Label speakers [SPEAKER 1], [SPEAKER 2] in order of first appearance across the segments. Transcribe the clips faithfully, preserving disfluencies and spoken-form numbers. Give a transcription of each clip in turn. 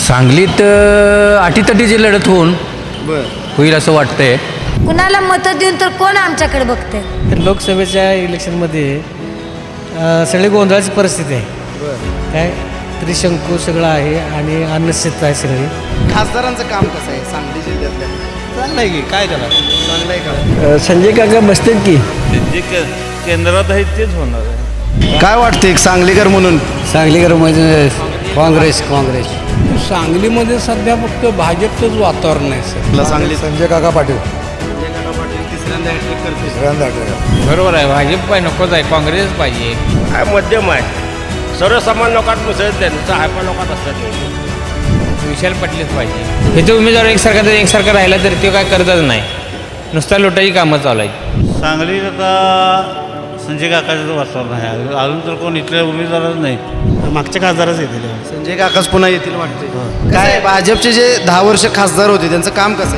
[SPEAKER 1] सांगलीत अ, अटीतटीची लढत होऊन
[SPEAKER 2] बर
[SPEAKER 1] होईल असं वाटतंय.
[SPEAKER 3] कुणाला मतं देऊन तर कोण आमच्याकडे बघते.
[SPEAKER 4] तर लोकसभेच्या इलेक्शनमध्ये अ, सगळी गोंधळाची परिस्थिती आहे.
[SPEAKER 2] बर
[SPEAKER 4] काय त्रिशंकू सगळं आहे आणि अनिश्चित आहे सगळी.
[SPEAKER 2] खासदारांचं काम कसं आहे सांगली जिल्ह्यातल्या?
[SPEAKER 5] चांगलं की काय त्याला
[SPEAKER 2] चांगलं आहे का?
[SPEAKER 4] संजय काका बसतात की
[SPEAKER 5] जे के केंद्रात आहे तेच होणार आहे.
[SPEAKER 2] काय वाटतं एक सांगलीकर म्हणून?
[SPEAKER 1] सांगलीकर म्हणजे काँग्रेस काँग्रेस
[SPEAKER 6] सांगलीमध्ये सध्या फक्त भाजपचंच वातावरण आहे सर.
[SPEAKER 2] तुला सांगली
[SPEAKER 7] संजय काका पाटील
[SPEAKER 2] तिसऱ्यांदा हॅट्रिक करते.
[SPEAKER 1] बरोबर आहे. भाजप पाहिजे नकोच आहे, काँग्रेस पाहिजे.
[SPEAKER 8] काय मध्यम आहे. सर्वसामान्य लोकात मिसळत नाही, नुसतं हायपा लोकात असतात नाही.
[SPEAKER 1] विशाल पाटीलच पाहिजे. हे जो उमेदवार एकसारखा जर एकसारखा राहिला तर ते काय करतच नाही, नुसता लुटाची कामं चालू आहेत.
[SPEAKER 5] सांगलीत आता संजय काकाचं वातावरण आहे. अजून तर कोण इथले उमेदवारच नाही.
[SPEAKER 4] मागच्या खासदारच येतील.
[SPEAKER 2] संजय काकाच पुन्हा येतील वाटते. काय भाजपचे जे दहा वर्ष खासदार होते त्यांचं काम कसं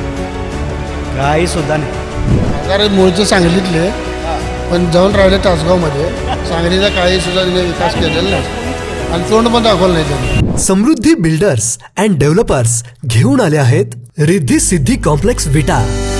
[SPEAKER 2] आहे?
[SPEAKER 4] काही सुद्धा नाही.
[SPEAKER 7] कारण मूळचे सांगलीतले पण जाऊन राहिले तासगावमध्ये. सांगलीचा काही सुद्धा तिने विकास केलेला नाही आणि तोंड पण दाखवलं नाही त्यांनी.
[SPEAKER 9] समृद्धी बिल्डर्स अँड डेव्हलपर्स घेऊन आले आहेत रिद्धी सिद्धी कॉम्प्लेक्स विटा.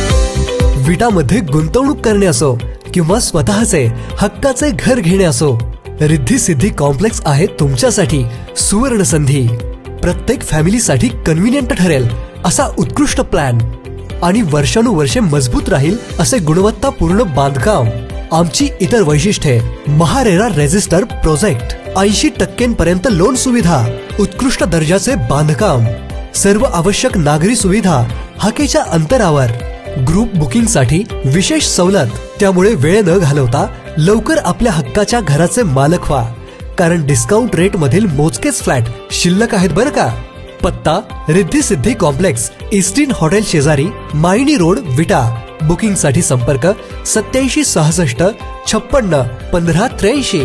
[SPEAKER 9] विटामध्ये गुंतवणूक करणे असो किंवा स्वतःचे हक्काचे घर घेणे असो, रिद्धी सिद्धी कॉम्प्लेक्स आहे तुमच्यासाठी सुवर्ण संधी. प्रत्येक फॅमिलीसाठी कन्व्हिनियंट ठरेल असा उत्कृष्ट प्लॅन आणि वर्षानुवर्षे मजबूत राहील असे गुणवत्तापूर्ण बांधकाम. आमची इतर वैशिष्ट्ये महारेरा रेजिस्टर प्रोजेक्ट, ऐंशी टक्क्यांपर्यंत लोन सुविधा, उत्कृष्ट दर्जाचे बांधकाम, सर्व आवश्यक नागरी सुविधा हाकेच्या अंतरावर, ग्रुप बुकिंग साठी विशेष सवलत. त्यामुळे वेळ न घालवता लवकर आपल्या हक्काच्या घराचे मालक व्हा, कारण डिस्काउंट रेट मधील मोजकेच फ्लॅट शिल्लक आहेत बरं का. पत्ता Riddhi Siddhi complex, Eastern hotel शेजारी, मायनी रोड, विटा. बुकिंग साठी संपर्क सत्याऐंशी सहासष्ट छप्पन्न पंधरा त्र्याऐंशी.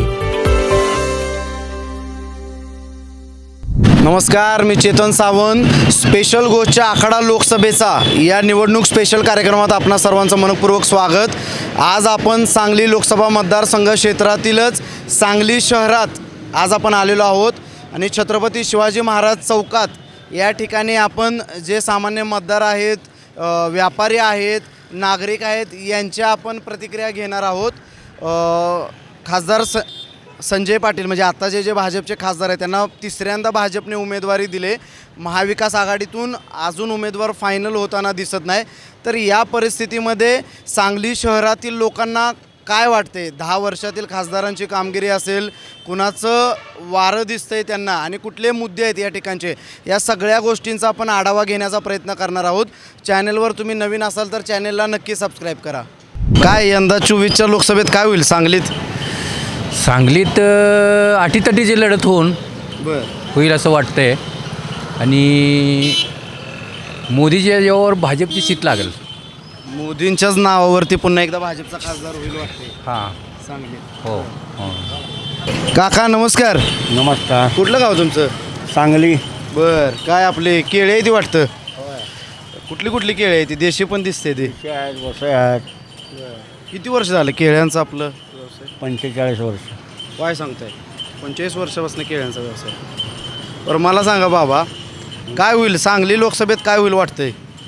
[SPEAKER 2] नमस्कार, मी चेतन सावंत. स्पेशल गोष्टच्या आखाडा लोकसभेचा या निवडणूक स्पेशल कार्यक्रमात आपणा सर्वांचं मनपूर्वक स्वागत. आज आपण सांगली लोकसभा मतदारसंघ क्षेत्रातीलच सांगली शहरात आज आपण आलेलो आहोत आणि छत्रपती शिवाजी महाराज चौकात या ठिकाणी आपण जे सामान्य मतदार आहेत, अ, व्यापारी आहेत, नागरिक आहेत, यांच्या आपण प्रतिक्रिया घेणार आहोत. अ, खासदार स संजय पाटील म्हणजे आता जे जे भाजपचे खासदार आहेत त्यांना तिसऱ्यांदा भाजपने उमेदवारी दिले. महाविकास आघाडीतून अजून उमेदवार फायनल होताना दिसत नाही. तर या परिस्थितीमध्ये सांगली शहरातील लोकांना काय वाटते? दहा वर्षातील खासदारांची कामगिरी असेल, कुणाचं वारं दिसतंय त्यांना आणि कुठले मुद्दे आहेत या ठिकाणचे, या सगळ्या गोष्टींचा आपण आढावा घेण्याचा प्रयत्न करणार आहोत. चॅनलवर तुम्ही नवीन असाल तर चॅनलला नक्की सबस्क्राईब करा. काय यंदा चोवीसच्या लोकसभेत काय होईल सांगलीत?
[SPEAKER 1] सांगलीत अ, अटीतटीची लढत होऊन
[SPEAKER 2] बर
[SPEAKER 1] होईल असं वाटतंय आणि मोदीच्या यावर भाजपची सीट लागेल.
[SPEAKER 2] मोदींच्याच नावावरती पुन्हा एकदा भाजपचा खासदार होईल वाटते
[SPEAKER 1] हां
[SPEAKER 2] सांगलीत.
[SPEAKER 1] हो हो.
[SPEAKER 2] काका नमस्कार.
[SPEAKER 8] नमस्कार.
[SPEAKER 2] कुठलं गाव तुमचं?
[SPEAKER 8] सांगली.
[SPEAKER 2] बर काय आपले केळे आहे ती वाटतं? कुठली कुठली केळी आहे ती? देशी पण दिसते ती.
[SPEAKER 8] वसई आहेत.
[SPEAKER 2] किती वर्ष झालं केळ्यांचं आपलं?
[SPEAKER 8] पंचेचाळीस वर्ष.
[SPEAKER 2] काय सांगताय? पंचेचाळीस वर्षापासून केळ्यांचा व्यवसाय. बरं मला सांगा बाबा, काय होईल सांगली लोकसभेत, काय होईल वाटतंय?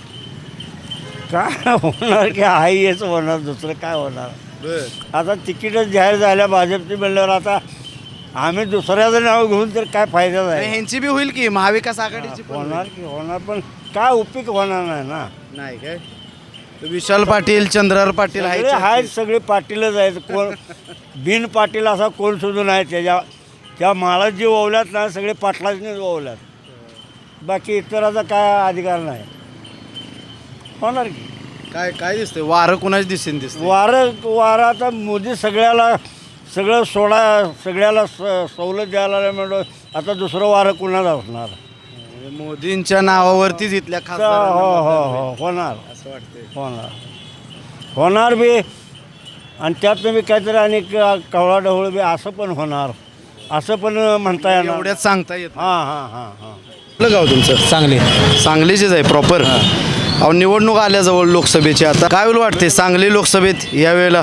[SPEAKER 8] काय होणार की आहे हेच होणार, दुसरं काय होणार.
[SPEAKER 2] बर
[SPEAKER 8] आता तिकीटच जाहीर झाल्या भाजपची म्हणल्यावर आता आम्ही दुसऱ्याचं नाव घेऊन तर काय फायदा नाही.
[SPEAKER 2] ह्यांची बी होईल की महाविकास आघाडीची पण होईल.
[SPEAKER 8] होणार की होणार, पण काय उपयोग होणार नाही ना.
[SPEAKER 2] नाही काय? विशाल पाटील, चंद्रहार पाटील
[SPEAKER 8] सगळे
[SPEAKER 2] आहेत.
[SPEAKER 8] आहेत, सगळे पाटीलच आहेत. कोण बिन पाटील असा कोण सुद्धा नाही. त्याच्या त्या माळात जे ओवल्यात ना सगळे पाटलाचनेच ओवल्यात, बाकी इतराचा काय अधिकार नाही. होणार की
[SPEAKER 2] काय काय दिसतंय? वारं कुणाच दिसेन दिसते?
[SPEAKER 8] वारं वारं आता मोदी सगळ्याला सगळं सोडा, सगळ्याला स सवलत द्यायला म्हणून आता दुसरं वारं कुणाला असणार.
[SPEAKER 2] मोदींच्या नावावरतीच इथल्या
[SPEAKER 8] हो
[SPEAKER 2] खासदारांना
[SPEAKER 8] हो
[SPEAKER 2] मतदान
[SPEAKER 8] हो
[SPEAKER 2] होईल.
[SPEAKER 8] होणार
[SPEAKER 2] असं वाटतंय.
[SPEAKER 8] होणार होणार बी. आणि त्यात बी काहीतरी आणि कवळा ढवळ बी असं पण होणार, असं पण म्हणता येणार.
[SPEAKER 2] एवढ्यात सांगता येत नाही.
[SPEAKER 8] हां हां हां हां.
[SPEAKER 2] कुठलं गाव तुमचं?
[SPEAKER 4] सांगली.
[SPEAKER 2] सांगलीचेच आहे प्रॉपर. अहो निवडणूक आल्याजवळ लोकसभेची, आता काय होईल वाटते सांगली लोकसभेत यावेळेला?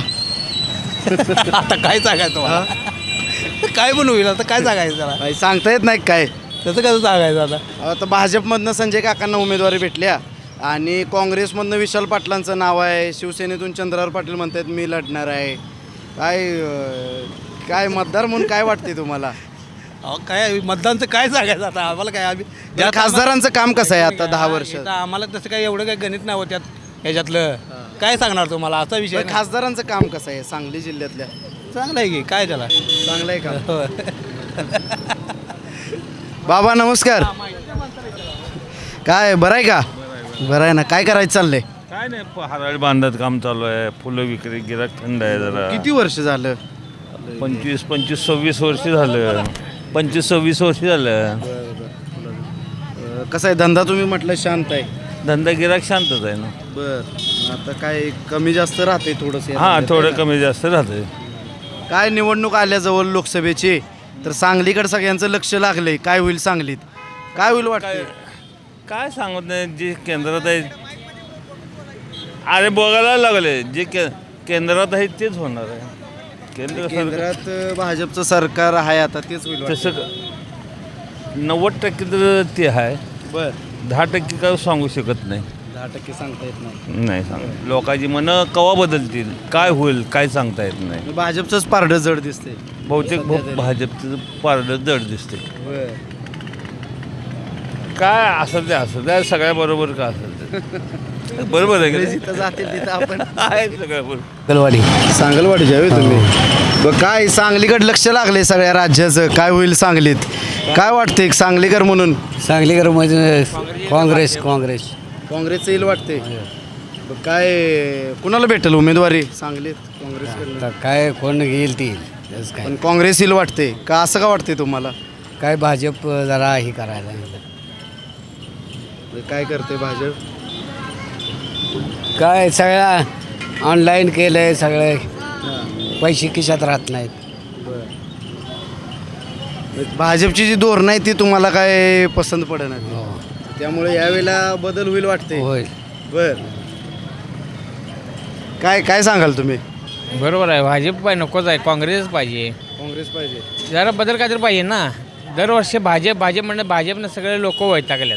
[SPEAKER 4] आता काय सांगायचं तुम्हाला? काय पण होईल आता, काय सांगायचं त्याला.
[SPEAKER 2] काही सांगता येत नाही काय?
[SPEAKER 4] तसं कसं सांगायचं आता.
[SPEAKER 2] आता भाजपमधनं संजय काकांना उमेदवारी भेटल्या आणि काँग्रेसमधनं विशाल पाटलांचं नाव आहे, शिवसेनेतून चंद्रहार पाटील म्हणतात मी लढणार आहे. काय अं, काय मतदार म्हणून काय वाटते तुम्हाला?
[SPEAKER 4] अहो काय मतदानचं काय सांगायचं आता आम्हाला काय आम्ही
[SPEAKER 2] ज्या खासदारांचं काम कसं आहे आता दहा वर्ष?
[SPEAKER 4] इथं आम्हाला तसं काय एवढं काही गणित नाही होत्यात ह्याच्यातलं काय सांगणार तुम्हाला असा विषय नाही.
[SPEAKER 2] खासदारांचं काम कसं आहे सांगली जिल्ह्यातल्या?
[SPEAKER 4] चांगलं आहे की काय त्याला
[SPEAKER 2] चांगलं आहे का? बाबा नमस्कार. काय बरं आहे का? बरं आहे ना. काय करायचं चाललंय?
[SPEAKER 5] काय नाही हराळी बांधत काम चालू आहे. फुलं विक्री गिराक थंड आहे जरा.
[SPEAKER 2] किती वर्ष झालं?
[SPEAKER 5] पंचवीस पंचवीस सव्वीस वर्ष झालं. पंचवीस सव्वीस वर्ष झालं.
[SPEAKER 2] अं, कसं आहे धंदा? तुम्ही म्हटलं शांत आहे.
[SPEAKER 5] धंदा गिराक शांतच आहे ना.
[SPEAKER 2] बर आता काय कमी जास्त राहते थोडंसं?
[SPEAKER 5] हां थोडं कमी जास्त राहते.
[SPEAKER 2] काय निवडणूक आल्याजवळ लोकसभेची तर सांगलीकडे सगळ्यांचं लक्ष लागलंय. काय होईल सांगलीत? काय होईल वाटतं?
[SPEAKER 5] काय सांगत नाही. जे केंद्रात आहे अरे बघायला लागले जे के केंद्रात आहे तेच होणार आहे. केंद्र सरकार
[SPEAKER 2] केंद्रात अं, भाजपचं सरकार आहे आता तेच होईल वाटतं.
[SPEAKER 5] तसं नव्वद टक्के तर ते आहे.
[SPEAKER 2] बर
[SPEAKER 5] दहा टक्के काय सांगू शकत नाही.
[SPEAKER 2] दहा टक्के सांगता येत नाही.
[SPEAKER 5] नाही सांग लोकांची मनं कवा बदलतील काय होईल काय सांगता येत नाही.
[SPEAKER 2] भाजपचंच पारडं जड दिसते.
[SPEAKER 5] बहुतेक भा- भाजपचं पारडं जड दिसते.
[SPEAKER 2] बर
[SPEAKER 5] काय असं ते असं त्या सगळ्या बरोबर का असेल ते बरोबर आहे का नाही?
[SPEAKER 2] जिथं जातील तिथं आपण
[SPEAKER 5] आहे सगळ्या बरोबर.
[SPEAKER 4] कलवाडी
[SPEAKER 2] सांगलवाडी जावे तुम्ही. बरं काय सांगलीकडे लक्ष लागले सगळ्या राज्याचं. काय होईल सांगलीत? काय वाटते सांगलीकर म्हणून?
[SPEAKER 4] सांगलीकर म्हणजे काँग्रेस काँग्रेस
[SPEAKER 2] काँग्रेसचं येईल वाटते. बरं, काय कुणाला भेटेल उमेदवारी सांगलीत? काँग्रेस
[SPEAKER 4] काय कोण घेईल ती तसं काय
[SPEAKER 2] पण काँग्रेस येईल वाटते का? असं का वाटते तुम्हाला?
[SPEAKER 4] काय भाजप जरा हे करायला
[SPEAKER 2] काय करते भाजप?
[SPEAKER 4] काय सगळ्या ऑनलाईन केलं आहे सगळे पैसे खिशात राहत नाहीत.
[SPEAKER 2] भाजपची जी धोरणं आहे ती तुम्हाला काय पसंत पडेना, त्यामुळे यावेळेला बदल होईल वाटते.
[SPEAKER 4] होय
[SPEAKER 2] बर काय काय सांगाल तुम्ही?
[SPEAKER 1] बरोबर आहे. भाजप पाहिजे नकोच आहे. काँग्रेसच पाहिजे.
[SPEAKER 2] काँग्रेस पाहिजे.
[SPEAKER 1] जरा बदल काय तर पाहिजे ना. दरवर्षी भाजप भाजप म्हणणं भाजपनं सगळे लोक वैतागल्यात.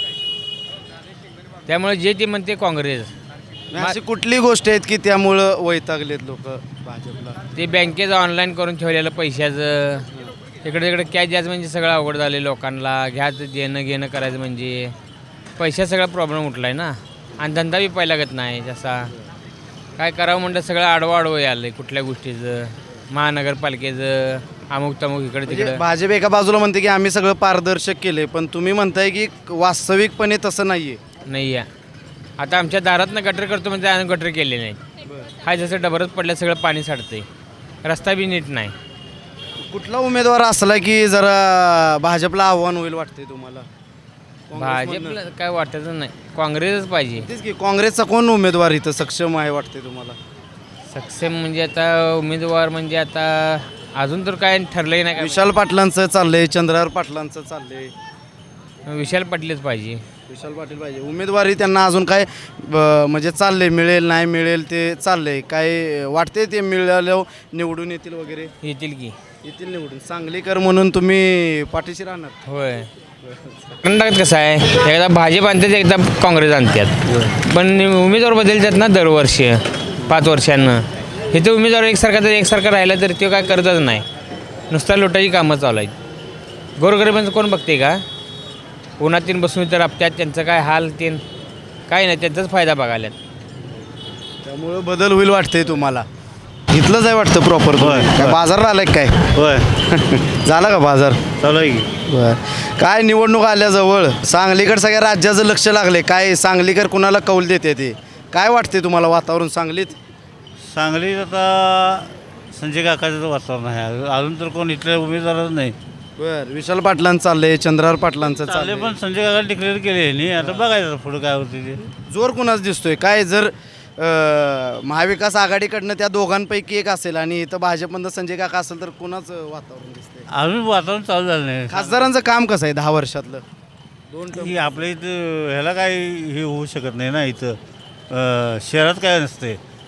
[SPEAKER 1] त्यामुळे जे ते म्हणते काँग्रेस.
[SPEAKER 2] अशी कुठली गोष्ट आहेत की त्यामुळं वैतागलेत लोक भाजपला?
[SPEAKER 1] ते बँकेचं ऑनलाईन करून ठेवलेलं पैशाचं इकडे तिकडे कॅश द्यायचं म्हणजे सगळं अवघड झालं लोकांना. घ्यायचं देणं घेणं करायचं म्हणजे पैशाचा सगळा प्रॉब्लेम उठला आहे ना. आणि धंदा बी पहिला लागत नाही जसा. काय करावं म्हणलं सगळं आडवं आडवं आलं आहे कुठल्या गोष्टीचं. महानगरपालिकेचं अमुक तमुक इकडे
[SPEAKER 2] म्हणजे
[SPEAKER 1] तिकडं.
[SPEAKER 2] भाजप एका बाजूला म्हणते की आम्ही सगळं पारदर्शक केले, पण तुम्ही म्हणताय की वास्तविकपणे तसं नाहीये.
[SPEAKER 1] नाही आहे. आता आमच्या दारातनं गटर करतो म्हणजे आम्ही गटर केले नाही. हा जसं डबरच पडलं सगळं पाणी साठतंय. रस्ता बी नीट नाही.
[SPEAKER 2] कुठला उमेदवार असला की जरा भाजपला आव्हान होईल वाटते तुम्हाला?
[SPEAKER 1] भाजपला काय वाटतच नाही. काँग्रेसच पाहिजे.
[SPEAKER 2] तेच की काँग्रेसचा कोण उमेदवार इथं सक्षम आहे वाटते तुम्हाला?
[SPEAKER 1] सक्षम म्हणजे आता उमेदवार म्हणजे आता अजून तर काय ठरलंही नाही.
[SPEAKER 2] विशाल पाटलांचं चाललंय, चंद्रहार पाटलांचं चाललंय.
[SPEAKER 1] काय विशाल पाटीलच पाहिजे.
[SPEAKER 2] विशाल पाटील पाहिजे उमेदवारी. त्यांना अजून काय ब- म्हणजे चाललंय मिळेल नाही मिळेल ते चाललंय. काय वाटते ते मिळालं निवडून येतील वगैरे?
[SPEAKER 1] येतील की.
[SPEAKER 2] येतील निवडून. सांगलीकर म्हणून तुम्ही पाठीशी राहणार?
[SPEAKER 1] होय. कर्नाटकात कसं आहे एकदा भाजप आणतात एकदा काँग्रेस आणतात. पण उमेदवार बदलतात ना दरवर्षी पाच वर्षांनं. इथं उमेदवार एकसारखा तर एकसारखा राहिला तर तो काय करतच नाही. नुसता लुटाची कामं चालू आहेत. गोरगरिबांचं कोण बघते का? उन्हातीन बसून तर आपत्यात त्यांचं काय हाल तीन काय नाही. त्यांचाच फायदा बघायला.
[SPEAKER 2] त्यामुळं बदल होईल वाटतंय तुम्हाला? इथलंच आहे वाटतं प्रॉपर? काय बाजारला आलाय काय?
[SPEAKER 5] होय
[SPEAKER 2] झाला का बाजार?
[SPEAKER 5] चालू आहे की.
[SPEAKER 2] बर काय निवडणूक आल्याजवळ सांगलीकडे सगळ्या राज्याचं लक्ष लागले. काय सांगलीकर कुणाला कौल देते ते काय वाटते तुम्हाला वातावरण सांगलीत?
[SPEAKER 5] सांगलीत आता संजय काकाचं वातावरण आहे. अजून तर कोण इथल्या उमेदवारच नाही.
[SPEAKER 2] बर विशाल पाटलांचं चाललंय, चंद्रहार पाटलांचं
[SPEAKER 5] चालले
[SPEAKER 2] चाललंय.
[SPEAKER 5] पण संजय काका डिक्लेअर केले नाही. आता बघायचं पुढं काय होते ते.
[SPEAKER 2] जोर कुणाच दिसतोय? काय जर अं, महाविकास आघाडीकडनं त्या दोघांपैकी एक असेल आणि इथं भाजपमधनं संजय काका असेल तर कुणाचं वातावरण दिसतंय?
[SPEAKER 5] अजून वातावरण चालू झालं नाही.
[SPEAKER 2] खासदारांचं काम कसं आहे दहा वर्षातलं? दोन term.
[SPEAKER 5] की आपल्या इथं ह्याला काय हे होऊ शकत नाही ना. इथं अं, शहरात काय नसते.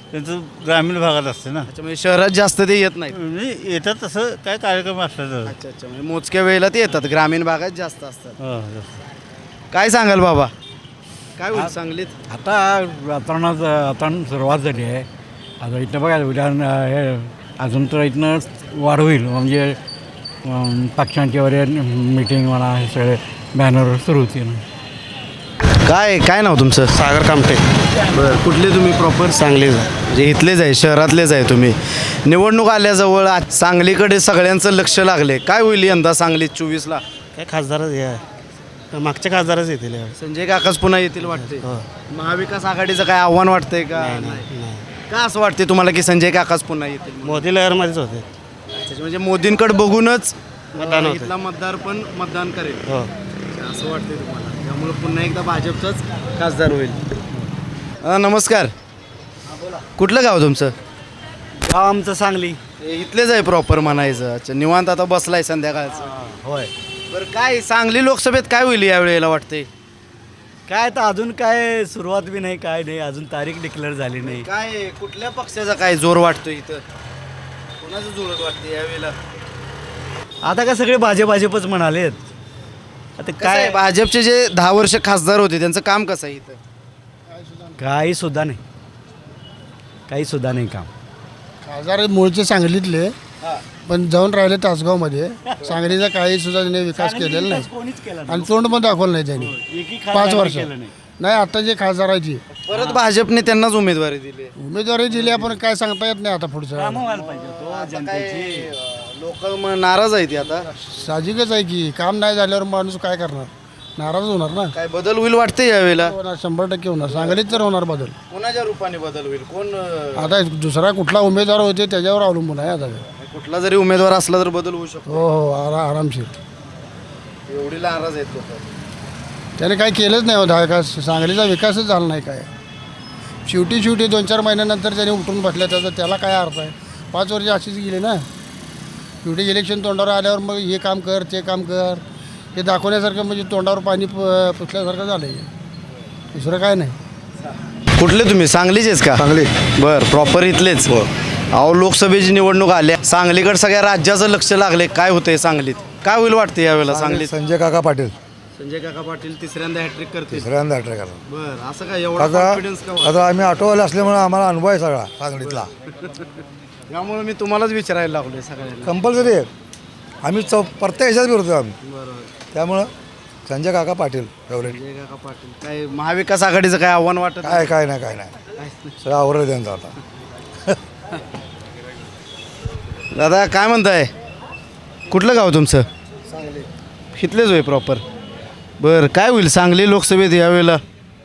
[SPEAKER 8] त्यांचं ग्रामीण भागात असते ना.
[SPEAKER 2] अच्छा, म्हणजे शहरात जास्त ते येत नाहीत.
[SPEAKER 8] म्हणजे येतात तसं काय कार्यक्रम असला तर.
[SPEAKER 2] अच्छा अच्छा, म्हणजे मोजक्या वेळेला ते येतात, ग्रामीण भागात जास्त असतात.
[SPEAKER 8] हो,
[SPEAKER 2] काय सांगाल बाबा, काय होईल सांगलीत?
[SPEAKER 6] आता वातावरणात वातावरण सुरुवात झाली आहे. आता इथनं बघा उद्या हे अजून तर इथनं वाढ होईल. म्हणजे अं, पक्षांची वगैरे मीटिंग म्हणा हे सगळे बॅनर सुरू होतील.
[SPEAKER 2] काय काय नाव तुमचं?
[SPEAKER 10] सागर कामटे.
[SPEAKER 2] बरं, कुठले तुम्ही प्रॉपर?
[SPEAKER 10] सांगली.
[SPEAKER 2] म्हणजे इथलेच आहे, शहरातलेच आहे तुम्ही. निवडणूक आल्याजवळ आज सांगलीकडे सगळ्यांचं लक्ष लागले. काय होईल यंदा सांगलीत चोवीसला?
[SPEAKER 10] काय खासदारच हे आहे. मागच्या खासदारच येतील यावेळी.
[SPEAKER 2] संजय काकाच पुन्हा येतील वाटते.
[SPEAKER 10] हो.
[SPEAKER 2] महाविकास आघाडीचं काय आव्हान वाटतंय का?
[SPEAKER 10] नाही.
[SPEAKER 2] का असं वाटते तुम्हाला की संजय काकाच पुन्हा येतील म्हणून?
[SPEAKER 10] मोदी लहरमध्येच होते.
[SPEAKER 2] अच्छा, म्हणजे मोदींकडे बघूनच
[SPEAKER 10] मतदान
[SPEAKER 2] अं,
[SPEAKER 10] होते.
[SPEAKER 2] इथला मतदार पण मतदान करेल.
[SPEAKER 10] हो.
[SPEAKER 2] अच्छा, असं वाटतंय तुम्हाला, त्यामुळे पुन्हा एकदा भाजपचाच खासदार होईल. अं, नमस्कार. कुठलं गाव तुमचं?
[SPEAKER 8] गाव आमचं सांगली.
[SPEAKER 2] हे इथलेच आहे प्रॉपर म्हणायचं. अच्छा, निवांत आता बसलाय संध्याकाळचं.
[SPEAKER 8] होय.
[SPEAKER 2] बरं, काय सांगली लोकसभेत काय होईल यावेळेला वाटतंय?
[SPEAKER 8] काय तर अजून काय सुरुवात बी नाही, काय नाही, अजून तारीख डिक्लेअर झाली नाही.
[SPEAKER 2] काय कुठल्या पक्षाचा काय जोर वाटतो इथं? कोणाचं जोरात वाटतं यावेळेला?
[SPEAKER 8] आता काय सगळे भाजप भाजपच म्हणालेत. आता
[SPEAKER 2] काय
[SPEAKER 8] काय
[SPEAKER 2] भाजपचे जे दहा वर्ष खासदार होते त्यांचं काम कसं आहे इथं?
[SPEAKER 8] काही सुद्धा नाही, काही सुद्धा नाही काम.
[SPEAKER 7] खासदार मूळचे सांगलीतले, पण जाऊन राहिले तासगावमध्ये. सांगलीचा काही सुद्धा त्यांनी विकास केलेला नाही
[SPEAKER 8] कोणीच केलं
[SPEAKER 7] आणि तोंड पण दाखवलं नाही त्यांनी
[SPEAKER 8] नाही.
[SPEAKER 7] पाच वर्ष. नाही, आता जे खासदार आहे ती
[SPEAKER 2] परत भाजपने त्यांनाच उमेदवारी दिली.
[SPEAKER 7] उमेदवारी दिली, आपण काय सांगता येत नाही आता पुढचं.
[SPEAKER 2] लोक नाराज आहेत ते आता.
[SPEAKER 7] साहजिकच आहे की काम नाही झाल्यावर माणूस काय करणार, नाराज होणार ना.
[SPEAKER 2] काय बदल होईल वाटते यावेळेला?
[SPEAKER 7] होणार, शंभर टक्के होणार. सांगलीत तर होणार बदल.
[SPEAKER 2] कोणाच्या रूपाने बदल होईल? कोण अं,
[SPEAKER 7] आता दुसरा कुठला उमेदवार होते त्याच्यावर अवलंबून आहे आता.
[SPEAKER 2] कुठला जरी उमेदवार असला तर बदल होऊ शकतो.
[SPEAKER 7] हो हो, आरा आरामशीर.
[SPEAKER 2] एवढी नाराज आहेत लोक.
[SPEAKER 7] त्याने काही केलंच नाही होता. विकास सांगलीचा विकासच झाला नाही काय. शेवटी शेवटी दोन चार महिन्यानंतर त्याने उठून बसल्या, त्याचा त्याला काय अर्थ आहे? पाच वर्ष अशीच गेली ना. शेवटी इलेक्शन तोंडावर आल्यावर मग हे काम कर ते काम कर हे दाखवण्यासारखं, म्हणजे तोंडावर पाणी प पुसल्यासारखं झालं आहे. दुसरं काय नाही.
[SPEAKER 2] कुठले तुम्ही? सांगलीचेच का?
[SPEAKER 10] सांगली.
[SPEAKER 2] बरं, प्रॉपर इथलेच. अहो, लोकसभेची निवडणूक आल्या, सांगलीकडे सगळ्या राज्याचं लक्ष लागले. काय होतंय सांगलीत? काय होईल वाटते यावेळेला सांगलीत?
[SPEAKER 10] संजय काका पाटील
[SPEAKER 2] संजय काका पाटील तिसऱ्यांदा हॅट्रिक करतील.
[SPEAKER 10] तिसऱ्यांदा ट्रेक आला.
[SPEAKER 2] बरं, असं काय एवढा
[SPEAKER 10] आता
[SPEAKER 2] कॉन्फिडन्स का वाटतो?
[SPEAKER 10] आता आम्ही ऑटोवाले असल्यामुळे आम्हाला अनुभव आहे सगळा सांगलीतला.
[SPEAKER 2] त्यामुळे मी तुम्हालाच विचारायला लागलोय सगळ्यांना.
[SPEAKER 10] कंपल्सरी आहे. आम्ही चौ प्रत्येक ह्याच्यात विरोध आम्ही.
[SPEAKER 2] बरोबर.
[SPEAKER 10] त्यामुळं संजय काका पाटील फेवरेट.
[SPEAKER 2] संजय काका पाटील. काय महाविकास आघाडीचं काय आव्हान वाटत?
[SPEAKER 10] काय काय नाही काय नाही सगळं आवरलं त्यांचं आता.
[SPEAKER 2] दादा काय म्हणताय? कुठलं गाव तुमचं? इथलेच होय प्रॉपर. बरं, काय होईल सांगली लोकसभेत यावेळेला?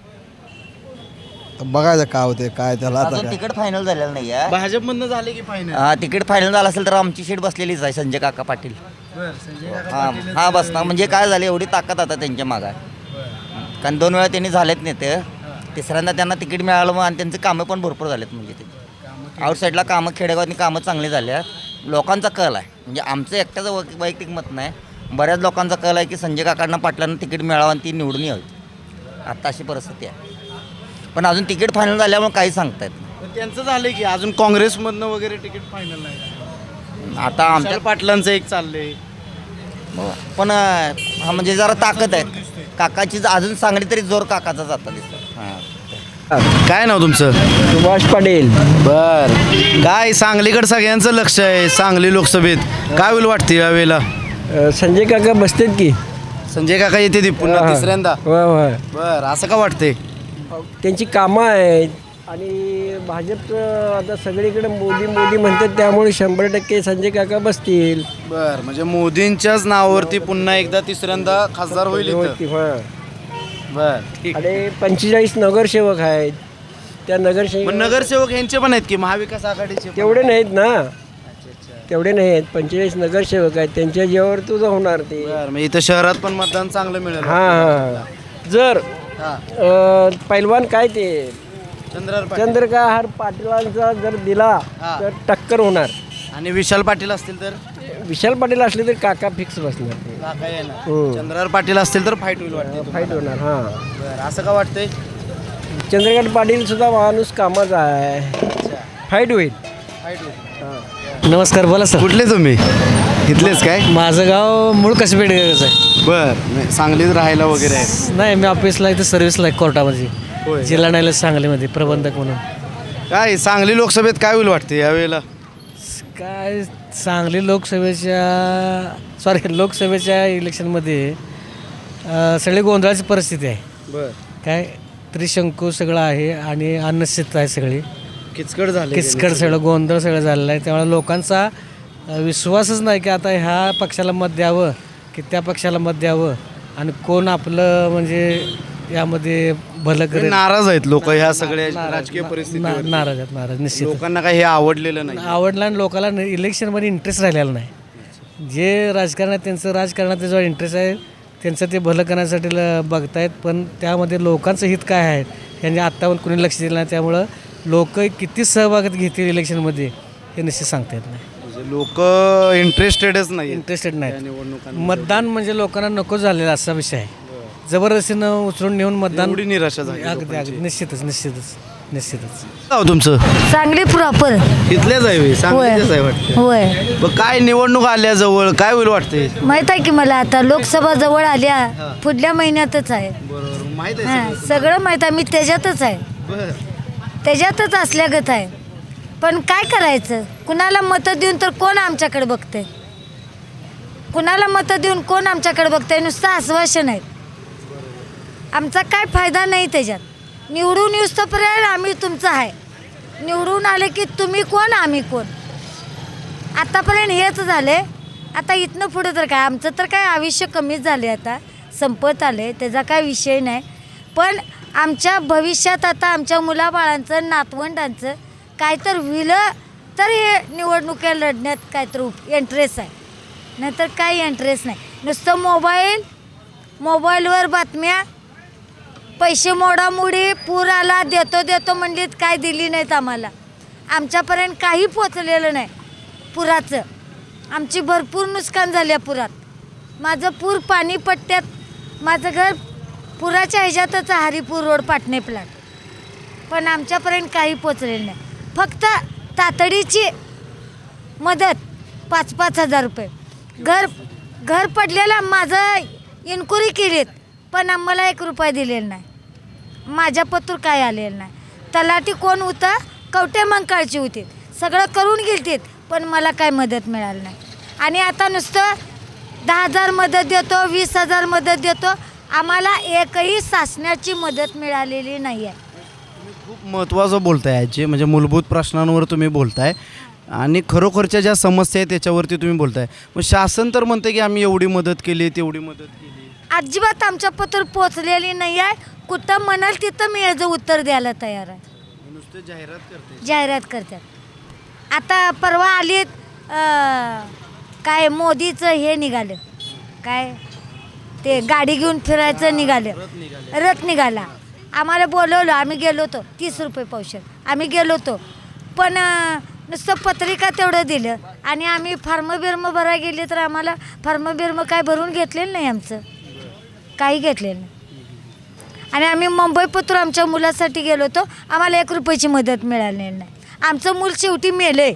[SPEAKER 10] बघायचं काय होते काय त्याला आता
[SPEAKER 11] अजून
[SPEAKER 10] काय.
[SPEAKER 11] तिकीट फायनल झालेलं नाही आहे.
[SPEAKER 2] भाजपमधनं झाले की फायनल?
[SPEAKER 11] हा, तिकीट फायनल झालं असेल तर आमची सीट बसलेलीच आहे, संजय काका पाटील. हा हा बसणार. म्हणजे काय झालं, एवढी ताकद आता त्यांच्या मागं आहे. कारण दोन वेळा त्यांनी झालेत नेते, तिसऱ्यांदा त्यांना तिकीट मिळालं मग, आणि त्यांचे कामं पण भरपूर झालेत. म्हणजे ते आउटसाईडला कामं, खेडेगावातनी कामं चांगली झाली आहेत. लोकांचा कल आहे, म्हणजे आमचं एकट्याचं वै वैयक्तिक मत नाही, बऱ्याच लोकांचा कल आहे की संजय काकांना पाटलांना तिकीट मिळावं आणि ती निवडून यावी. आत्ता अशी परिस्थिती आहे. पण अजून तिकीट फायनल झाल्यामुळे काही सांगता येत नाही.
[SPEAKER 2] त्यांचं झालंय की अजून काँग्रेसमधनं वगैरे तिकीट फायनल नाही.
[SPEAKER 11] आता आमच्या
[SPEAKER 2] विशाल पाटलांचं एक चाललंय.
[SPEAKER 11] पण हा म्हणजे जरा ताकद आहे काकाची. अजून सांगली तरी जोर काकाचा जाता दिसतो. हां.
[SPEAKER 2] काय नाव तुमचं?
[SPEAKER 4] सुभाष पाटील.
[SPEAKER 2] बर, काय सांगलीकडे सगळ्यांचं लक्ष आहे सांगली लोकसभेत. काय होईल वाटते यावेळेला?
[SPEAKER 4] संजय काका बसतात की.
[SPEAKER 2] संजय काका येते ती पुन्हा
[SPEAKER 4] हा.
[SPEAKER 2] तिसऱ्यांदा.
[SPEAKER 4] होय होय.
[SPEAKER 2] बर, असं का वाटते?
[SPEAKER 4] त्यांची कामं आहेत आणि भाजपचं आता सगळीकडे मोदी मोदी म्हणतात, त्यामुळे शंभर टक्के संजय काका बसतील.
[SPEAKER 2] बर, म्हणजे मोदींच्याच नावावरती पुन्हा एकदा तिसऱ्यांदा खासदार होईल इथं.
[SPEAKER 4] होय.
[SPEAKER 2] बर, ठीक.
[SPEAKER 4] आणि पंचेचाळीस नगरसेवक आहेत. त्या
[SPEAKER 2] पण
[SPEAKER 4] नगरसेवक
[SPEAKER 2] नगरसेवक यांचे पण आहेत की महाविकास आघाडीचे पण?
[SPEAKER 4] तेवढे नाहीत ना. तेवढे नाही आहेत. पंचेचाळीस नगरसेवक आहेत, त्यांच्या जेव्हावर तुझं होणार ते.
[SPEAKER 2] बर, मग इथं शहरात पण मतदान चांगलं मिळेल.
[SPEAKER 4] हां हां. जर
[SPEAKER 2] हा.
[SPEAKER 4] अ, पैलवान काय ते
[SPEAKER 2] चंद्रार पाटील.
[SPEAKER 4] चंद्रकांत पाटलांचा जर दिला
[SPEAKER 2] हा.
[SPEAKER 4] तर टक्कर होणार.
[SPEAKER 2] आणि विशाल पाटील असतील तर?
[SPEAKER 4] विशाल पाटील असले तर काका फिक्स बसणार ते.
[SPEAKER 2] काका येणार.
[SPEAKER 4] हो.
[SPEAKER 2] चंद्रार पाटील असतील तर फाईट होईल वाटते.
[SPEAKER 4] फाईट होणार. हां.
[SPEAKER 2] बर, असं का वाटतंय?
[SPEAKER 4] चंद्रकांत पाटील सुद्धा माणूस कामाचा आहे. फाईट होईल. नमस्कार, बोला सर.
[SPEAKER 2] कुठले तुम्ही? इथलेच काय?
[SPEAKER 4] माझं गाव मूळ कसबेडगरच आहे.
[SPEAKER 2] बर, सांगलीत राहायला वगैरे आहे?
[SPEAKER 4] नाही, मी ऑफिसला इथं सर्व्हिसला आहे कोर्टामध्ये,
[SPEAKER 2] होय.
[SPEAKER 4] जिल्हा न्यायालय सांगलीमध्ये प्रबंधक म्हणून.
[SPEAKER 2] काय सांगली लोकसभेत काय होईल वाटते यावेळेला?
[SPEAKER 4] काय सांगली लोकसभेच्या सॉरी लोकसभेच्या इलेक्शनमध्ये अ, सगळी गोंधळाची परिस्थिती आहे.
[SPEAKER 2] बर,
[SPEAKER 4] काय त्रिशंकू सगळं आहे आणि अनिश्चित आहे सगळी,
[SPEAKER 2] किचकट झाले.
[SPEAKER 4] किचकट सगळं गोंधळ सगळं झालेलं आहे. त्यामुळे लोकांचा अ, विश्वासच नाही की आता ह्या पक्षाला मत द्यावं की त्या पक्षाला मत द्यावं आणि कोण आपलं म्हणजे यामध्ये भलं करेल.
[SPEAKER 2] नाराज आहेत लोक ह्या सगळ्या
[SPEAKER 4] नाराज-
[SPEAKER 2] राजकीय
[SPEAKER 4] ना-
[SPEAKER 2] परिस्थितीवर.
[SPEAKER 4] नाराज आहेत, नाराज निश्चित.
[SPEAKER 2] लोकांना काही हे आवडलेलं नाही.
[SPEAKER 4] आवडला आणि लोकांना इलेक्शनमध्ये इंटरेस्ट राहिलेला नाही. जे राजकारण आहे त्यांचं राजकारणात त्याच्यावर इंटरेस्ट आहे, त्यांचं ते भलं करण्यासाठी ल- बघतायत. पण त्यामध्ये लोकांचं हित काय आहे यांनी आत्तापर्यंत कुणी लक्ष दिलं नाही. त्यामुळं लोक किती सहभागात घेतील इलेक्शनमध्ये हे निश्चित सांगता येत नाही.
[SPEAKER 2] लोक इंटरेस्टेडच नाही.
[SPEAKER 4] इंटरेस्टेड नाही. मतदान म्हणजे लोकांना नको झालेला असा विषय आहे. जबरदस्तीनं उचलून नेऊन मतदान.
[SPEAKER 2] एवढी निराशा झाली
[SPEAKER 4] अगदी अगदी निश्चितच निश्चितच निश्चितच.
[SPEAKER 2] नाव तुमचं?
[SPEAKER 3] सांगली प्रॉपर.
[SPEAKER 2] इथलेच आहे
[SPEAKER 3] होय
[SPEAKER 2] सांगलीचेच आहे वाटतं.
[SPEAKER 3] होय.
[SPEAKER 2] मग काय निवडणूक आल्या जवळ काय होईल वाटते?
[SPEAKER 3] माहित आहे की मला आता लोकसभा जवळ आल्या पुढल्या महिन्यातच आहे.
[SPEAKER 2] बरोबर, माहित
[SPEAKER 3] हां, सगळं माहीत आहे. मी त्याच्यातच आहे,
[SPEAKER 2] बर,
[SPEAKER 3] त्याच्यातच असल्यागत आहे. पण काय करायचं? कुणाला मतं देऊन तर कोण आमच्याकडे बघते? कुणाला मतं देऊन कोण आमच्याकडे बघते? नुसतं आश्वासन आहे. आमचा काय फायदा नाही त्याच्यात. निवडून येऊस्तोपर्यंत आम्ही तुमचं आहे, निवडून आले की तुम्ही कोण आम्ही कोण. आतापर्यंत हेच झाले. आता इथनं पुढे तर काय आमचं तर काय आयुष्य कमीच झाले, आता संपत आले, त्याचा काय विषय नाही. पण आमच्या भविष्यात आता आमच्या मुलाबाळांचं नातवंडांचं काय तर होईल तर हे निवडणुकीला लढण्यात काय तर इंटरेस्ट आहे, नाहीतर काही इंटरेस्ट नाही. नुसतं मोबाईल मोबाईलवर बातम्या, पैसे मोडामोडी, पूर आला देतो देतो म्हणलीत, काय दिली नाहीत आम्हाला. आमच्यापर्यंत काही पोचलेलं नाही पुराचं. आमची भरपूर नुकसान झाली आहे पुरात. माझं पूर पाणीपट्ट्यात, माझं घर पुराच्या ह्याच्यातच आहे, हरिपूर रोड पाटणे प्लाट. पण आमच्यापर्यंत काही पोचलेलं नाही. फक्त तातडीची मदत पाच पाच हजार रुपये. घर घर पडलेलं माझं इन्क्वायरी केलीत पण आम्हाला एक रुपया दिलेला नाही. माझ्या पत्र काय आलेलं नाही. तलाठी कोण होतं? कवटे मंकाळची होती. सगळं करून गेलतीत पण मला काय मदत मिळाली नाही. आणि आता नुसतं दहा हजार मदत देतो, वीस हजार मदत देतो, आम्हाला एकही शासनाची मदत मिळालेली नाही आहे.
[SPEAKER 2] खूप महत्त्वाचं बोलताय आजी, म्हणजे मूलभूत प्रश्नांवर तुम्ही बोलताय आणि खरोखरच्या ज्या समस्या आहेत त्याच्यावरती तुम्ही बोलताय. मग शासन तर म्हणते की आम्ही एवढी मदत केली, तेवढी मदत केली.
[SPEAKER 3] अजिबात आमच्या पत्र पोचलेली नाही आहे. कुठं म्हणाल तिथं मी याचं उत्तर द्यायला तयार आहे.
[SPEAKER 2] नुसतं जाहिरात करते.
[SPEAKER 3] जाहिरात करतात. आता परवा आलीत अं, काय मोदीचं हे निघालं, काय ते गाडी घेऊन फिरायचं निघालं, रथ निघाला. आम्हाला बोलवलं, आम्ही गेलो होतो. तीस रुपये पावशेर आम्ही गेलो होतो. पण अं, नुसतं पत्रिका तेवढं दिलं आणि आम्ही फार्म बिर्म भरायला गेले तर आम्हाला फार्म बिर्म काय भरून घेतलेलं नाही, आमचं काही घेतलेलं नाही. आणि आम्ही मुंबई पत्र आमच्या मुलासाठी गेलो होतो, आम्हाला एक रुपयाची मदत मिळालेली नाही. आमचं मूल शेवटी मेले.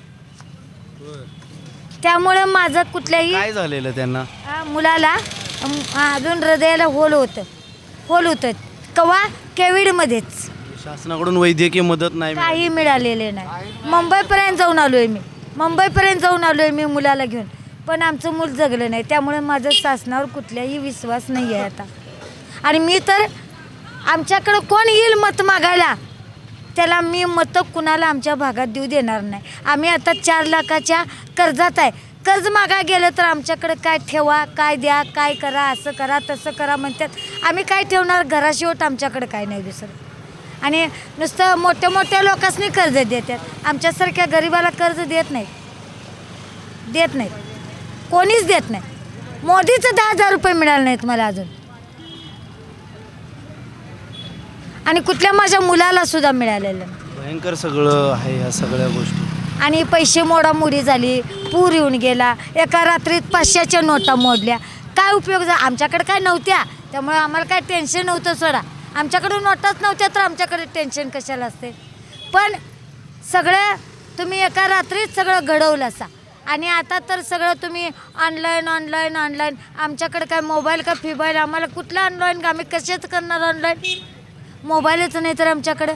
[SPEAKER 3] त्यामुळं माझं कुठल्याही
[SPEAKER 2] काय झालेलं त्यांना?
[SPEAKER 3] आ, मुलाला अम, अजून हृदयाला होल होतं होल होतं कवा कोविडमध्येच.
[SPEAKER 2] शासनाकडून वैद्यकीय मदत नाही मिळाली.
[SPEAKER 3] काही मिळालेले नाही. मुंबईपर्यंत जाऊन आलो आहे मी मुंबईपर्यंत जाऊन आलो आहे मी मुलाला घेऊन, पण आमचं मूल जगलं नाही. त्यामुळे माझं शासनावर कुठल्याही विश्वास नाही आहे आता. आणि मी तर आमच्याकडं कोण येईल मत मागायला त्याला मी मतं कुणाला आमच्या भागात देऊ देणार नाही. आम्ही आता चार लाखाच्या कर्जात आहे. कर्ज मागा गेलं तर आमच्याकडे काय ठेवा, काय द्या, काय करा, असं करा तसं करा म्हणतात. आम्ही काय ठेवणार? घराशिवट आमच्याकडे काय नाही दुसरं. आणि नुसतं मोठ्या मोठ्या लोकांनी कर्ज देतात, आमच्यासारख्या गरिबाला कर्ज देत नाहीत देत नाहीत कोणीच देत नाही. मोदीचं दहा हजार रुपये मिळाले नाहीत मला अजून. आणि कुठल्या माझ्या मुलाला सुद्धा मिळालेलं नाही.
[SPEAKER 2] भयंकर सगळं आहे ह्या सगळ्या गोष्टी.
[SPEAKER 3] आणि पैसे मोडामोडी झाली, पूर येऊन गेला, एका रात्रीत पाचशेच्या नोटा मोडल्या. काय उपयोग झाला? आमच्याकडे काय नव्हत्या त्यामुळे आम्हाला काय टेन्शन नव्हतं. सोडा आमच्याकडे नोटाच नव्हत्या तर आमच्याकडे टेन्शन कशाला असते. पण सगळं तुम्ही एका रात्रीत सगळं घडवलं असा आणि आता तर सगळं तुम्ही ऑनलाईन ऑनलाईन ऑनलाईन आमच्याकडे काय मोबाईल का फिबाईल आम्हाला कुठलं ऑनलाईन का आम्ही कशाच करणार ऑनलाईन मोबाईलच नाही तर आमच्याकडे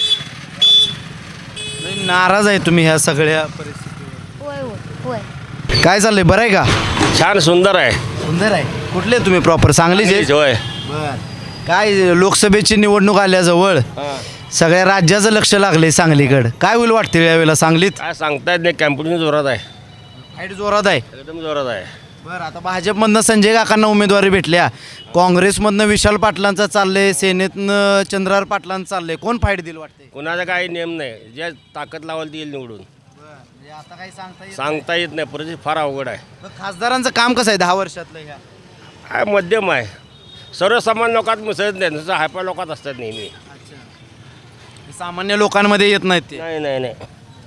[SPEAKER 2] नाही, नाराज आहे तुम्ही ह्या सगळ्या परिस्थितीवर?
[SPEAKER 3] होय होय होय
[SPEAKER 2] काय चाललंय बरं आहे का?
[SPEAKER 5] छान सुंदर आहे
[SPEAKER 2] सुंदर आहे. कुठले तुम्ही प्रॉपर सांगलीचे?
[SPEAKER 5] होय
[SPEAKER 2] बर. काय लोकसभेची निवडणूक आल्याजवळ सगळ्या राज्याचं लक्ष लागले सांगलीकडं. काय होईल वाटते यावेळेला सांगलीत?
[SPEAKER 5] काय सांगता येत नाही, कॅम्पुटिंग जोरात आहे,
[SPEAKER 2] फाईट जोरात आहे.
[SPEAKER 5] एकदम जोरात आहे.
[SPEAKER 2] बरं, आता भाजपमधनं संजय काकांना उमेदवारी भेटल्या, काँग्रेसमधनं विशाल पाटलांचं चाललंय, सेनेतनं चंद्रहार पाटलांचं चाललंय. कोण फाईट दिल वाटते?
[SPEAKER 5] कुणाचा काही नियम नाही, जे ताकद लावाल ती येईल निवडून.
[SPEAKER 2] आता काही सांगता येत
[SPEAKER 5] सांगता येत नाही, परिस्थिती फार अवघड आहे.
[SPEAKER 2] नाही. खासदारांचं काम कसं आहे दहा वर्षातलं ह्या?
[SPEAKER 5] काय मध्यम आहे, सर्वसामान्य लोकात मिसळत नाही, नुसतं हायपा लोकात असतात नेहमी.
[SPEAKER 2] सामान्य लोकांमध्ये येत नाहीत ते.
[SPEAKER 5] नाही नाही नाही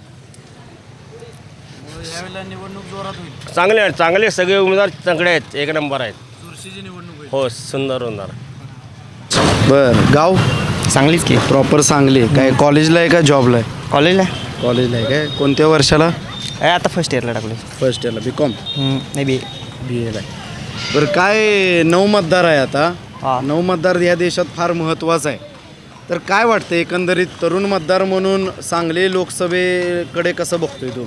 [SPEAKER 2] यावेळेला निवडणूक जोरात होईल.
[SPEAKER 5] चांगले आहेत, चांगले सगळे उमेदवार चांगले आहेत, एक नंबर आहेत.
[SPEAKER 2] चुरशीची निवडणूक होईल.
[SPEAKER 5] हो सुंदर होणार.
[SPEAKER 2] बर. गाव
[SPEAKER 12] सांगलीच की
[SPEAKER 2] प्रॉपर सांगली. काय कॉलेजला आहे का जॉबला आहे?
[SPEAKER 12] कॉलेजला
[SPEAKER 2] कॉलेजला आहे. काय कोणत्या वर्षाला?
[SPEAKER 12] आहे आता फर्स्ट इयरला टाकले
[SPEAKER 2] फर्स्ट इयरला. बी कॉम
[SPEAKER 12] नाही बी
[SPEAKER 2] बी एला आहे. बरं, काय नऊ मतदार आहे आता. नऊ मतदार या देशात फार महत्त्वाचं आहे. तर काय वाटतं एकंदरीत तरुण मतदार म्हणून सांगली लोकसभेकडे कसं बघतोय तू?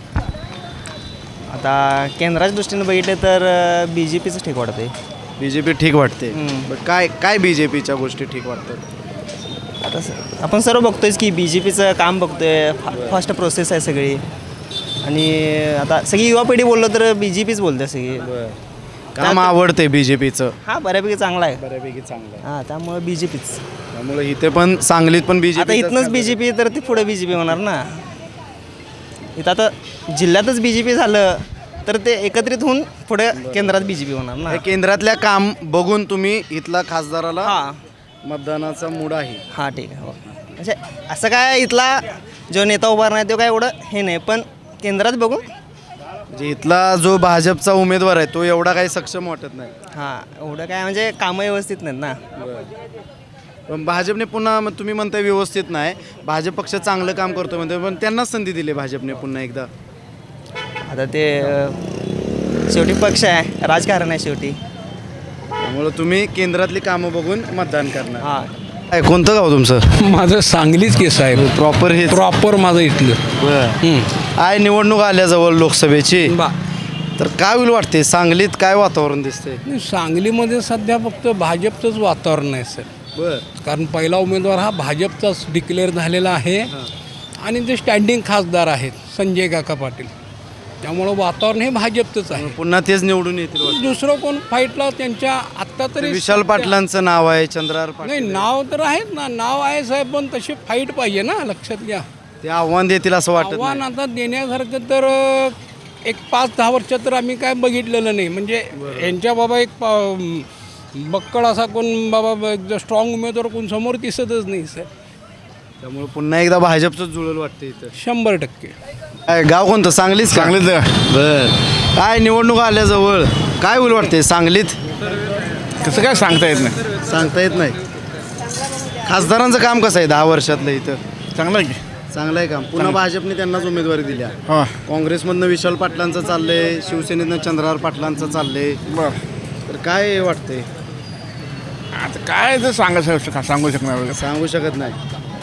[SPEAKER 12] आता केंद्राच्या दृष्टीने बघितलं तर बी जे पीचं ठीक वाटते.
[SPEAKER 2] बी जे पी ठीक वाटते.
[SPEAKER 12] हम्म.
[SPEAKER 2] बरं, काय काय बी जे पीच्या गोष्टी ठीक वाटतात?
[SPEAKER 12] आता स- आपण सर्व बघतोयच की बी जे पीचं काम बघतोय, फा फास्ट प्रोसेस आहे सगळी. आणि आता सगळी युवा पिढी बोललो तर बी जे पीच बोलते सगळी.
[SPEAKER 2] काम आवडते बी जे पीचं?
[SPEAKER 12] हां बऱ्यापैकी चांगला आहे.
[SPEAKER 2] बऱ्यापैकी चांगलं आहे.
[SPEAKER 12] हां त्यामुळे बी जे पीच.
[SPEAKER 2] त्यामुळे इथे पण सांगलीत पण बी जे
[SPEAKER 12] आता इथनंच बी जे पी तर ते पुढे बी जे पी होणार ना. इथं आता जिल्ह्यातच बी जे पी झालं तर ते एकत्रित होऊन पुढे केंद्रात बी जे पी होणार ना.
[SPEAKER 2] केंद्रातल्या काम बघून तुम्ही इथला खासदाराला
[SPEAKER 12] हां
[SPEAKER 2] मतदानाचा मूड आहे.
[SPEAKER 12] हां ठीक आहे. हो म्हणजे असं काय इथला जो नेता उभारणार आहे तो काय एवढं हे नाही, पण केंद्रात बघून
[SPEAKER 2] म्हणजे इथला जो भाजपचा उमेदवार आहे तो एवढा काही सक्षम वाटत नाही.
[SPEAKER 12] हां एवढं काय म्हणजे कामं व्यवस्थित नाहीत ना.
[SPEAKER 2] पण भाजपने पुन्हा मग तुम्ही म्हणताय व्यवस्थित नाही, भाजप पक्ष चांगलं काम करतो म्हणते, पण त्यांनाच संधी दिली भाजपने पुन्हा एकदा.
[SPEAKER 12] आता ते अं, शेवटी पक्ष आहे, राजकारण आहे शेवटी.
[SPEAKER 2] त्यामुळं तुम्ही केंद्रातली कामं बघून मतदान करणार.
[SPEAKER 12] हां
[SPEAKER 2] काय कोणतं गाव तुमचं?
[SPEAKER 13] माझं सांगलीच केस आहे,
[SPEAKER 2] प्रॉपर हे
[SPEAKER 13] प्रॉपर माझं इथलं.
[SPEAKER 2] बरं. आहे निवडणूक आल्याजवळ लोकसभेची,
[SPEAKER 13] बा
[SPEAKER 2] तर काय होईल वाटते सांगलीत? काय वातावरण दिसतंय?
[SPEAKER 13] नाही, सांगलीमध्ये सध्या फक्त भाजपचंच वातावरण आहे सर.
[SPEAKER 2] बरं.
[SPEAKER 13] कारण पहिला उमेदवार हा भाजपचाच डिक्लेअर झालेला आहे आणि ते स्टँडिंग खासदार आहेत संजय काका पाटील, त्यामुळं वातावरण हे भाजपचंच आहे.
[SPEAKER 2] पुन्हा तेच निवडून येतील वाटतं.
[SPEAKER 13] दुसरं कोण फाईटला त्यांच्या आत्ता तरी
[SPEAKER 2] विशाल पाटलांचं नाव आहे, चंद्रहार
[SPEAKER 13] नाही
[SPEAKER 2] पाटील.
[SPEAKER 13] नाव तर आहेच ना, नाव आहे साहेब, पण तशी फाईट पाहिजे ना, लक्षात घ्या.
[SPEAKER 2] ते आव्हान देतील असं वाटत
[SPEAKER 13] आव्हान
[SPEAKER 2] नाही.
[SPEAKER 13] आता देण्यासारखं तर अ, एक पाच दहा वर्षात तर आम्ही काय बघितलेलं नाही. म्हणजे यांच्या बाबा एक पा- बक्कळ असा कोण बाबा स्ट्रॉंग उमेदवार कोण समोर दिसतच नाही सर.
[SPEAKER 2] त्यामुळे पुन्हा एकदा भाजपचंच जुळलं वाटतं इथं.
[SPEAKER 13] शंभर टक्के.
[SPEAKER 2] काय गाव कोणतं? सांगलीच का?
[SPEAKER 10] सांगलीत
[SPEAKER 2] बर. काय निवडणूक आल्याजवळ काय होईल वाटते सांगलीत?
[SPEAKER 10] कसं काय सांगता येत नाही.
[SPEAKER 2] सांगता येत नाही. खासदारांचं काम कसं आहे दहा वर्षातलं इथं?
[SPEAKER 10] चांगलं आहे की.
[SPEAKER 2] चांगलं आहे काम. पुन्हा भाजपने त्यांनाच उमेदवारी दिल्या.
[SPEAKER 10] हां
[SPEAKER 2] काँग्रेसमधनं विशाल पाटलांचं चाललंय, शिवसेनेतनं चंद्रहार पाटलांचं चाललंय.
[SPEAKER 10] बरं.
[SPEAKER 2] तर काय वाटतंय?
[SPEAKER 10] आता काय तर सांगा सांगू शकणार वगैरे.
[SPEAKER 2] सांगू शकत नाही.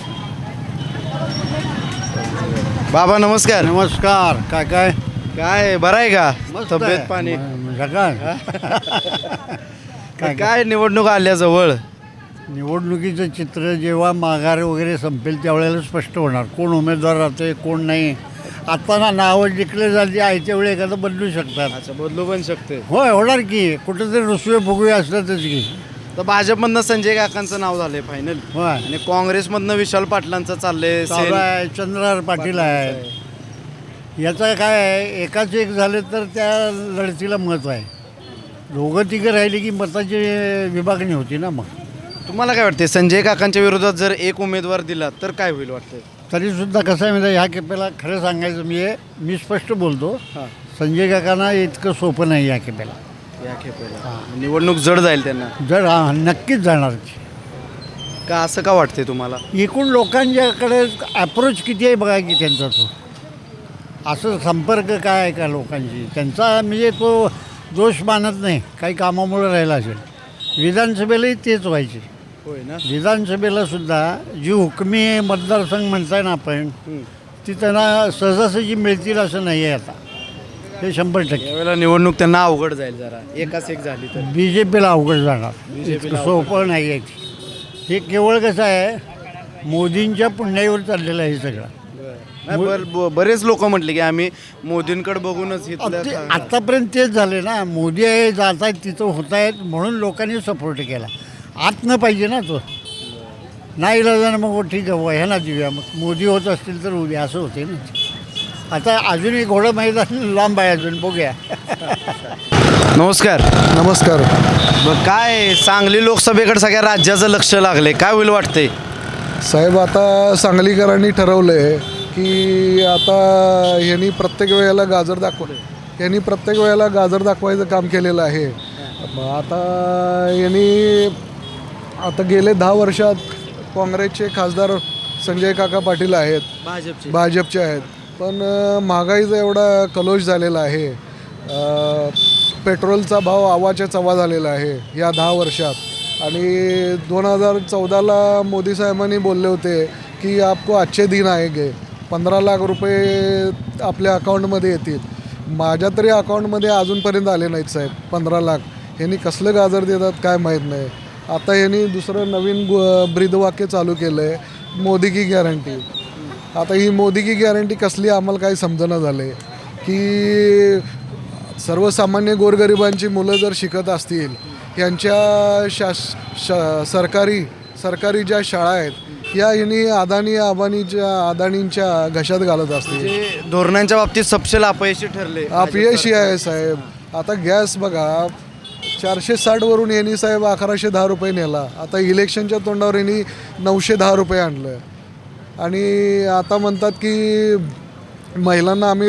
[SPEAKER 2] बाबा नमस्कार.
[SPEAKER 7] नमस्कार. काय काय
[SPEAKER 2] काय बरं आहे का? तब्येत पाणी
[SPEAKER 7] काय
[SPEAKER 2] काय निवडणूक आल्याजवळ
[SPEAKER 7] निवडणुकीचं चित्र जेव्हा माघार वगैरे संपेल त्यावेळेला स्पष्ट होणार कोण उमेदवार राहते कोण नाही. आता ना नावं डिक्लेअर झाली आयत्या वेळी एखादं बदलू शकतात.
[SPEAKER 2] अच्छा, बदलू पण शकते.
[SPEAKER 7] होय होणार की कुठेतरी रुसवे फुगवे असतातच की.
[SPEAKER 2] तर भाजपमधनं संजय काकांचं नाव झालंय फायनल
[SPEAKER 7] होय
[SPEAKER 2] आणि काँग्रेसमधनं विशाल पाटलांचं चाललंय.
[SPEAKER 7] चालू आहे. चंद्रहार पाटील आहे. याचं काय आहे एकाच एक झाले तर त्या लढतीला महत्त्व आहे. दोघं तिघं राहिले की मताची विभागणी होती ना. मग
[SPEAKER 2] तुम्हाला काय वाटते संजय काकांच्या विरोधात जर एक उमेदवार दिला तर काय होईल वाटतंय?
[SPEAKER 7] तरीसुद्धा कसं आहे म्हणजे ह्या खेपेला खरं सांगायचं मी मी स्पष्ट बोलतो संजय काकांना इतकं सोपं नाही या खेपेला.
[SPEAKER 2] या खेपेला निवडणूक जड जाईल त्यांना.
[SPEAKER 7] जर हा नक्कीच जाणार.
[SPEAKER 2] का असं का वाटते तुम्हाला?
[SPEAKER 8] एकूण लोकांच्याकडे अप्रोच किती आहे बघा की त्यांचा तो असं संपर्क काय आहे का लोकांची त्यांचा म्हणजे तो दोष मानत नाही काही कामामुळे राहिला असेल. विधानसभेलाही तेच व्हायचे.
[SPEAKER 2] होय ना.
[SPEAKER 8] विधानसभेला सुद्धा जी हुकमी मतदारसंघ म्हणताय ना आपण ती त्यांना सहजासहजी मिळतील असं नाही आहे आता. हे शंभर टक्के
[SPEAKER 2] यावेळेला निवडणूक त्यांना अवघड जाईल जरा एकाच एक झाली तर.
[SPEAKER 8] बी जे पीला अवघड जाणार. इतकं सोपं नाही आहे. हे केवळ कसं आहे मोदींच्या पुण्यावर चाललेलं आहे सगळं.
[SPEAKER 2] नाही, बर- ब- बरेच लोक म्हटले की आम्ही मोदींकडे बघूनच इथलं
[SPEAKER 8] ते
[SPEAKER 2] का-
[SPEAKER 8] आत्तापर्यंत तेच झाले ना. मोदी आहे जात आहेत तिथं होत आहेत म्हणून लोकांनी सपोर्ट केला. आत न पाहिजे ना तो नाही इलाजानं मग हो ठीक आहे ह्याला देऊया मग मोदी होत असतील तर उद्या असं होते ना. आता अजूनही घोडं मैदान लांब आहे अजून बघूया.
[SPEAKER 2] नमस्कार.
[SPEAKER 10] नमस्कार.
[SPEAKER 2] मग काय सांगली लोकसभेकडे सगळ्या राज्याचं लक्ष लागले, काय होईल वाटतंय?
[SPEAKER 10] साहेब आता सांगलीकरांनी ठरवलं आहे की आता ह्यांनी प्रत्येक वेळेला गाजर दाखवलं यांनी प्रत्येक वेळेला गाजर दाखवायचं काम केलेलं आहे. मग आता यांनी आता गेले दहा वर्षात काँग्रेसचे खासदार संजय काका पाटील आहेत,
[SPEAKER 2] भाजपचे
[SPEAKER 10] भाजपचे आहेत. पण अ, महागाईचा एवढा कलोश झालेला आहे. अ, पेट्रोलचा भाव आवाच्या चवा झालेला आहे या दहा वर्षात. आणि दोन हजार चौदाला मोदी साहेबांनी बोलले होते की आपको अच्छे दिन आएंगे, पंधरा लाख रुपये आपल्या अकाउंटमध्ये येतील. माझ्या तरी अकाउंटमध्ये अजूनपर्यंत आले नाहीत साहेब पंधरा लाख. ह्यांनी कसलं गाजर देतात काय माहीत नाही. आता ह्यांनी दुसरं नवीन गु ब्रीदवाक्य चालू केलं आहे, मोदी की गॅरंटी. आता ही मोदी की गॅरंटी कसली आम्हाला काही समजणं झालं आहे की सर्वसामान्य गोरगरिबांची मुलं जर शिकत असतील यांच्या शास शा सरकारी सरकारी ज्या शाळा आहेत या ह्यांनी अदानी अंबानीच्या अदानींच्या घशात घालत असतील.
[SPEAKER 2] म्हणजे धोरणांच्या बाबतीत सपशेल अपयशी ठरले.
[SPEAKER 10] अपयशी आहे साहेब. आता गॅस बघा चारशे साठवरून यांनी साहेब अकराशे दहा रुपये नेला. आता इलेक्शनच्या तोंडावर यांनी नऊशे दहा रुपये आणलं. आणि आता म्हणतात की महिलांना आम्ही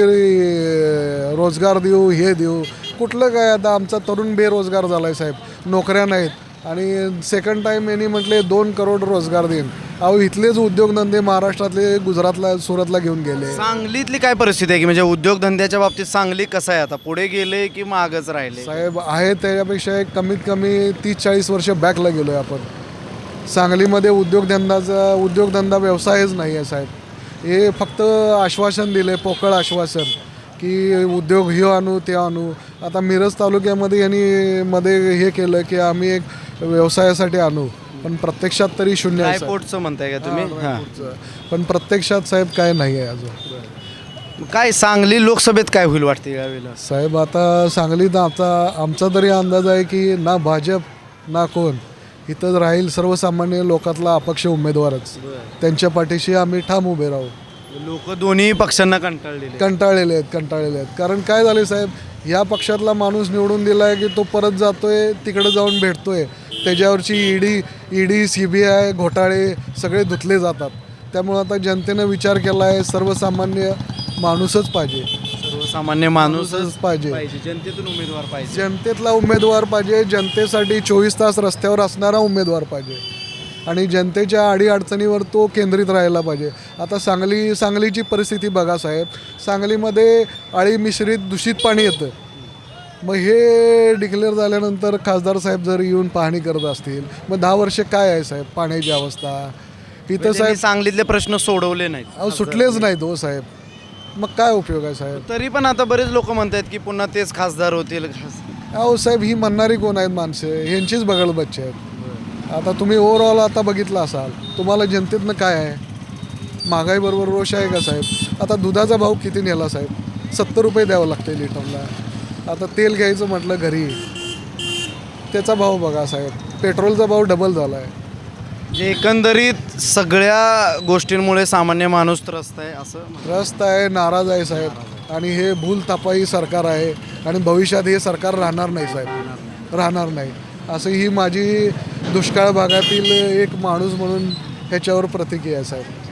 [SPEAKER 10] रोजगार देऊ हे देऊ. कुठलं काय आता आमचा तरुण बेरोजगार झाला आहे साहेब, नोकऱ्या नाहीत. आणि सेकंड टाईम यांनी म्हटले दोन करोड रोजगार देईन. अहो इथलेच उद्योगधंदे महाराष्ट्रातले गुजरातला सुरतला घेऊन गेले.
[SPEAKER 2] सांगलीतली काय परिस्थिती आहे की म्हणजे उद्योगधंद्याच्या बाबतीत सांगली कसं आहे आता, पुढे गेले की मागच राहिले?
[SPEAKER 10] साहेब आहे त्याच्यापेक्षा एक कमीत कमी तीस चाळीस वर्ष बॅकला गेलो आहे आपण. सांगलीमध्ये उद्योगधंदाचा उद्योगधंदा व्यवसायच नाही आहे साहेब. हे फक्त आश्वासन दिले, पोकळ आश्वासन की उद्योग हे आणू ते आणू. आता मिरज तालुक्यामध्ये यांनी मध्ये हे केलं की आम्ही एक व्यवसायासाठी आणू, पण प्रत्यक्षात तरी शून्य आहे साहेब.
[SPEAKER 2] ड्रायपोर्टचं म्हणताय का तुम्ही? हां.
[SPEAKER 10] पण प्रत्यक्षात साहेब काय नाही आहे अजून.
[SPEAKER 2] काय सांगली लोकसभेत काय होईल वाटते यावेळेला?
[SPEAKER 10] साहेब आता सांगलीत आता आमचा तरी अंदाज आहे की ना भाजप ना कोण इथं राहील, सर्वसामान्य लोकातला अपक्ष उमेदवारच. त्यांच्या पाठीशी आम्ही ठाम उभे राहू.
[SPEAKER 2] लोक दोन्ही पक्षांना कंटाळलेले
[SPEAKER 10] कंटाळलेले आहेत कंटाळलेले आहेत कारण काय झाले साहेब, ह्या पक्षातला माणूस निवडून दिला आहे की तो परत जातोय तिकडे जाऊन भेटतोय. त्याच्यावरची ED ED C B I घोटाळे सगळे धुतले जातात. त्यामुळं आता जनतेनं विचार केला आहे सर्वसामान्य माणूसच पाहिजे.
[SPEAKER 2] सर्वसामान्य माणूसच
[SPEAKER 10] पाहिजे.
[SPEAKER 2] जनतेतून उमेदवार पाहिजे.
[SPEAKER 10] जनतेतला उमेदवार पाहिजे. जनतेसाठी चोवीस तास रस्त्यावर असणारा उमेदवार पाहिजे. आणि जनतेच्या अडीअडचणीवर तो केंद्रित राहायला पाहिजे. आता सांगली सांगलीची परिस्थिती बघा साहेब, सांगलीमध्ये अळी मिश्रित दूषित पाणी येतं. मग हे डिक्लेअर झाल्यानंतर खासदार साहेब जर येऊन पाहणी करत असतील मग दहा वर्षे काय आहे साहेब पाण्याची अवस्था इथं साहेब?
[SPEAKER 2] सांगलीतले प्रश्न सोडवले नाहीत.
[SPEAKER 10] अहो सुटलेच नाहीत हो साहेब. मग काय उपयोग आहे साहेब?
[SPEAKER 2] तरी पण आता बरेच लोक म्हणतात की पुन्हा तेच खासदार होतील.
[SPEAKER 10] अहो साहेब ही म्हणणारी कोण आहेत माणसं? ह्यांचीच बगल बच्चे आहेत. आता तुम्ही ओव्हरऑल आता बघितलं असाल, तुम्हाला जनतेतनं काय आहे? महागाईबरोबर रोष आहे का साहेब? आता दुधाचा भाव किती नेला साहेब? सत्तर रुपये द्यावं लागतं लिटरला. आता तेल घ्यायचं म्हटलं घरी त्याचा भाव बघा साहेब, पेट्रोलचा भाव डबल झाला आहे.
[SPEAKER 2] जे एकंदरीत सगळ्या गोष्टींमुळे सामान्य माणूस त्रस्त आहे असं
[SPEAKER 10] त्रस्त आहे, नाराज आहे साहेब. आणि हे भूलथापाई सरकार आहे आणि भविष्यात हे सरकार राहणार नाही साहेब, राहणार नाही. असं ही माझी दुष्काळ भागातील एक माणूस म्हणून ह्याच्यावर प्रतिक्रिया आहे साहेब.